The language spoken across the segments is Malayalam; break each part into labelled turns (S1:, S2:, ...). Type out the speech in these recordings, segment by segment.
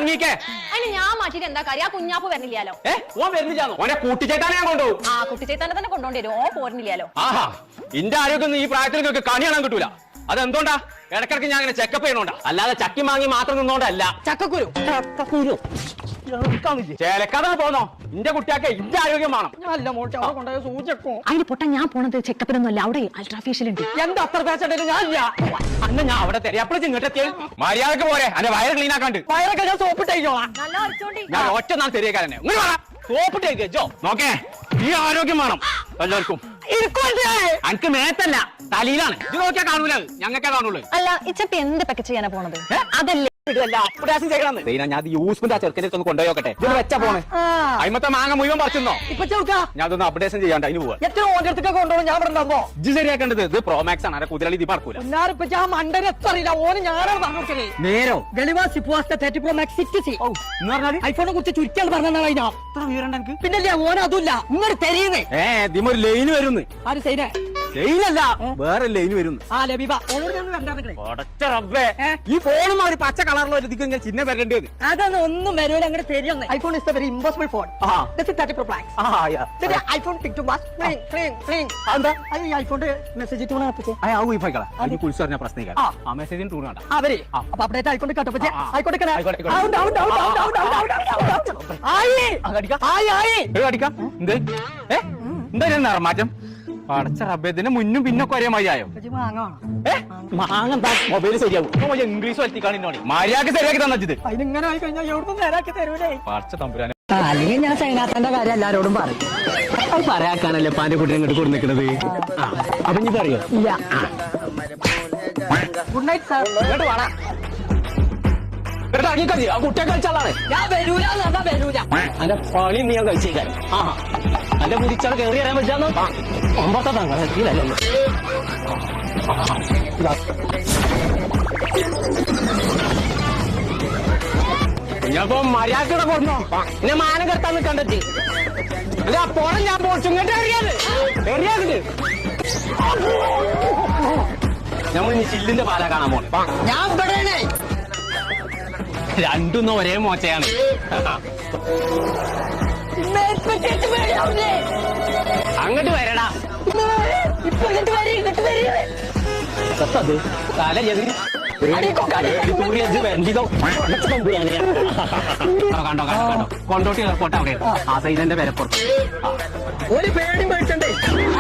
S1: ഇറങ്ങിക്കേ.
S2: അതിന് ഞാൻ മാറ്റിട്ട് എന്താ കാര്യം? ആ കുഞ്ഞാപ്പ് വരുന്നില്ലാലോ.
S1: ഓൻ വരുന്നില്ലാന്നോ? ഓനെ കൂട്ടിച്ചേട്ടാനെ ഞാൻ കൊണ്ടുപോകും.
S2: ആ കുട്ടിച്ചേത്താനെ തന്നെ കൊണ്ടുപോണ്ടി വരും. ഓ പോരുന്നില്ലാലോ.
S1: ആഹാ, ഇന്റെ ആരോഗ്യം ഈ പ്രായത്തിൽ നിങ്ങൾക്ക് കണി കാണാൻ കിട്ടൂല. അതെന്തുകൊണ്ടാ? ഇടക്കിടക്ക് ഞാൻ അങ്ങനെ ചെക്കപ്പ് ചെയ്യണോണ്ടാ, അല്ലാതെ ചക്കി മാങ്ങി മാത്രം നിന്നോണ്ടല്ല. ചക്കക്കുരു ചേലക്കാതെ പോന്നോ? ഇന്റെ കുട്ടിയാക്കെ ഇന്റെ ആരോഗ്യം വേണം.
S2: അതിന് പൊട്ട ഞാൻ പോണത് ചെക്കപ്പിനൊന്നും അല്ല, അവിടെ അൾട്രാഫേഷ്യൽ ഉണ്ട്.
S1: എന്താ അത്ര പേശണ്ടല്ലോ? അന്ന് ഞാൻ അവിടെ തരാം. എപ്പോഴും ഇങ്ങോട്ടെത്തിയ മര്യാദക്ക് പോരെ. എന്റെ വയറ് ക്ലീൻ ആക്കാണ്ട്. വയറൊക്കെ ഞാൻ സോപ്പിട്ടേക്കോളാം. ഞാൻ ഒറ്റ നാൾ തരികക്കാരനെ സോപ്പിട്ടേക്കോ. നോക്കേ, ഈ ആരോഗ്യം വേണം എല്ലാവർക്കും. എനിക്ക് മേത്തല്ല, തലയിലാണ്. ഇത് നോക്കിയാ കാണൂല, ഞങ്ങൾക്കേ കാണുള്ളൂ.
S2: അല്ല, ഇച്ചപ്പി എന്ത് പെക്ക ചെയ്യാനാ പോണത്? അതല്ലേ
S1: ഞാൻ യൂസ്ഫുൾ ആ ചെറുക്കനെ ഒന്ന് കൊണ്ടുപോയോക്കട്ടെ. ഇത് വെച്ചാ പോണേ. അയിമത്തെ മാങ്ങ മുഴുവൻ പറിച്ചെന്നോ? ഞാൻ അതൊന്ന് അപ്ഡേഷൻ ചെയ്യാണ്ട് അതിന് പോവാ. ഇത് ശരിയാക്കേണ്ടത്. ഇത് പ്രോമാക്സ് ആണ്. കുതിരളി ഇത് പറക്കൂല. നേരോ
S3: ഐഫോണിനെ കുറിച്ച് ചുരുക്കിയാണ് പറഞ്ഞാൽ പിന്നെ ഓരോ അതുമില്ല ഇങ്ങോട്ട് തരീന്നേ.
S1: ഇതിമൊരു ലൈന് വരുന്നു.
S3: ആര് സൈന
S1: ലൈനല്ല, വേറെ ലൈന് വരുന്നു. ഈ ഫോണും ഒരു പച്ച കളറിലോ ഇങ്ങനെ ചിഹ്നം വരേണ്ടത്.
S3: അതൊന്നും ഒന്നും വരൂല. അങ്ങനെ തരുന്ന iPhone is very impossible phone. IPhone ഐഫോണിന്റെ മെസ്സേജ്
S1: പ്രശ്നം
S3: അവര് അപ്പൊ അപ്ഡേറ്റ് ആയിക്കൊണ്ട് കേട്ടോ.
S1: എന്താ നിറമാറ്റം? അടച്ച റബ്ബേദിന് മുന്നും പിന്നൊക്കെ ഒരേ മതിയായോ? മാങ്ങ മൊബൈൽ ശരിയാവും. ഇംഗ്ലീഷ് വരുത്തിക്കാണിന്നോണി മര്യാദ ശരിയാക്കി തന്നത്.
S3: അതിനിങ്ങനെ ആയി കഴിഞ്ഞാൽ എവിടെ നേരാക്കി തരൂലേ?
S1: പടച്ച തമ്പുരാനെ.
S3: അല്ലെങ്കിൽ ഞാൻ സൈനാത്തന്റെ കാര്യം എല്ലാരോടും പറയും.
S1: അത് പറയാക്കാണല്ലേ പാന്റെ കുട്ടിനെ ഇങ്ങോട്ട് കൊടുന്നിക്കണത്. അപ്പൊ നീ പറയോ?
S3: ഇല്ല. Good night sir.
S1: ഇങ്ങോട്ട് വേണം. ആ കുട്ടിയെ കളിച്ചാളാണ്.
S3: ഞാൻ വരൂല വരൂല.
S1: അന്റെ പണി നീ ഞാൻ കഴിച്ചേക്കാൻ. അന്റെ മുരിച്ചാൽ കയറി അറിയാൻ പറ്റാന്നോ? ഒമ്പത്തെ തങ്ങളല്ലേ. ഞാനിപ്പോ മര്യാദ കൊണ്ടോ എന്നെ മാനം കെടുത്താന്ന് കണ്ടെത്തി. അല്ല പുറം ഞാൻ പോച്ചു. ഇങ്ങോട്ട് എറിയാത് നമ്മൾ ഇനി ചില്ലിന്റെ പാല കാണാൻ പോണം.
S3: ഞാൻ ഇവിടെ
S1: രണ്ടൊന്നും ഒരേ മോശയാണ്. അങ്ങോട്ട് വരടാ. അത് തല കണ്ടോ കൊണ്ടോട്ടി എയർപോർട്ട് അവിടെ ആ സൈഡിന്റെ വിലപ്പുറത്ത്.
S3: ഒരു പേടി മേടിച്ചണ്ടേ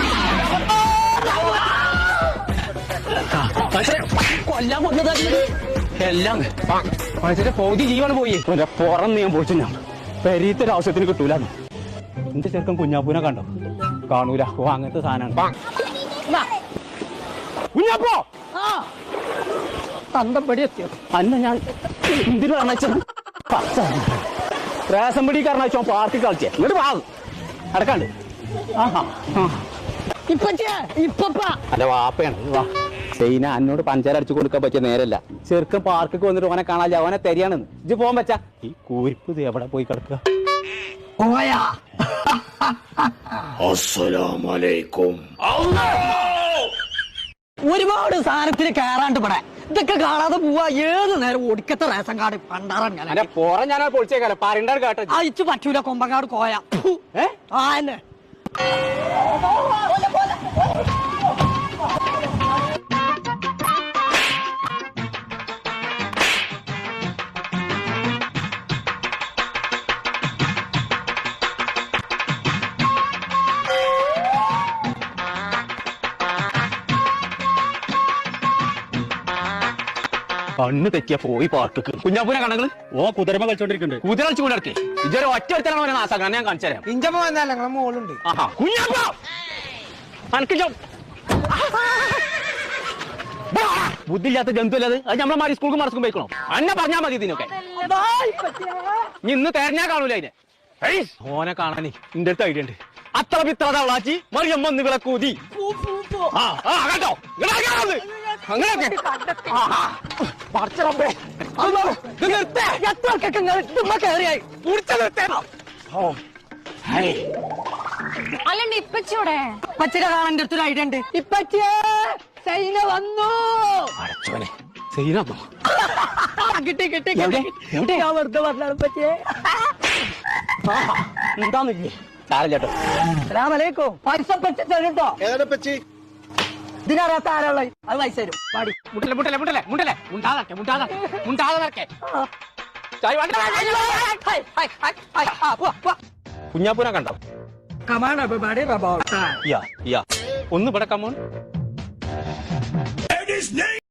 S1: കൊല്ലാൻ കൊന്നത് എല്ലാം മനുഷ്യന്റെ പൗതി ജീവൻ പോയി. പുറം നീ പോയിച്ചു. ഞാൻ പെരീത്തൊരു ആവശ്യത്തിന് കിട്ടൂല. എന്റെ ചെറുക്കൻ കുഞ്ഞാപ്പൂനെ കണ്ടോ? കാണൂല. ഓ അങ്ങനത്തെ സാധനമാണ് കുഞ്ഞാപ്പോ.
S3: തന്തമ്പടി എത്തിയോ?
S1: അന്ന ഞാൻ എന്തിനു കാരണ റേഷൻ പിടി കാരണ പാർട്ടി കളിച്ചേ. ഇങ്ങോട്ട് പാകും അടക്കാണ്ട്. അല്ല വാപ്പയാണ്. സൈന എന്നോട് പഞ്ചാര അടിച്ചു കൊടുക്കാൻ പറ്റിയ നേരല്ല. ചെറുക്കൻ പാർക്കൊക്കെ വന്നിട്ട് ഓനെ കാണാൻ അവനെ തരികയാണെന്ന്. ഇജ്ജ് പോകാൻ പറ്റാ? ഈ കൂരിപ്പ് ഇത് എവിടെ പോയി കിടക്കുക?
S3: ഒരുപാട് സാധനത്തിന് കയറാണ്ട് ഇവിടെ ഇതൊക്കെ കാണാതെ പോവാ. ഏത് നേരം ഒടുക്കത്തെ റേഷൻ കാർഡ് പണ്ടാറാൻ ഞാൻ
S1: പോറ ഞാൻ പൊളിച്ചേക്കാലോ. പറയണ്ടാണ് കേട്ടോ.
S3: അയച്ചു പറ്റൂല. കൊമ്പങ്കാട് കോയ ആന്നെ
S1: കണ്ണ് തെറ്റിയ പോയി പാർക്ക്. കുഞ്ഞാപ്പൂനെ കണങ്ങള് ഓ കുതിരമ കളിച്ചോണ്ടിരിക്കുന്നുണ്ട്. കുതിര കളിച്ചുകൊണ്ട് നടത്തി. ഇതൊരു ഒറ്റ ഒരുത്തനാണ് അവനെ നാസാക്കാൻ. ഞാൻ കാണിച്ചു തരാം.
S3: ഇഞ്ചപ്പ വന്നാലേ ഞങ്ങളെ മോളുണ്ട്.
S1: ബുദ്ധിയില്ലാത്ത ജന്തു അല്ലത്. അത് നമ്മളെ മാറി സ്കൂൾക്ക് മറസ്ക്കും പോയിക്കണോ? അന്നെ പറഞ്ഞാൽ മതി ഇതിനൊക്കെ. ഇന്ന് തെരഞ്ഞാ കാണൂല അതിനെ. ഓനെ കാണാനേ എന്റെ അടുത്ത് ഐഡിയ ഉണ്ട്. അത്ര പിത്ര തവളാച്ചി മറിയം വന്ന് വിളക്കൂതി. കേട്ടോ അങ്ങനെയൊക്കെ
S2: അല്ലണ്ട് ഇപ്പച്ചൂടെ
S3: ഇപ്പച്ചിനെ കാണാൻ അടുത്തൊരു ഐഡിയ ഉണ്ട്. ഇപ്പച്ചേ സൈന വന്നു.
S1: അടച്ചോനെ സൈനാന്നോ?
S3: കിട്ടി കിട്ടി
S1: എവിടെ? എവിടെ?
S3: ഞാൻ വെറുതെ പറഞ്ഞാലും പറ്റിയേ എന്താന്നില്ലേ
S1: സാരം ചേട്ടോ.
S3: അസ്സലാമലൈക്കും. പൈസ പറ്റി തരുട്ടോ.
S4: ഏതാ പച്ചി?
S3: ഇതിനകത്ത് ആരാളെ അത് പൈസ തരും. പാടി
S1: മുട്ടല്ലേ മുട്ടല്ലേ മുട്ടല്ലേ മുട്ടല്ലേ മുണ്ടാതെ മുണ്ടാതെ മുണ്ടാതെ നടക്കേ. കുഞ്ഞാപ്പൂനെ കണ്ടോ?
S3: Come on, everybody, about time.
S1: ഒന്ന് ഇവിടെ കമോൺ.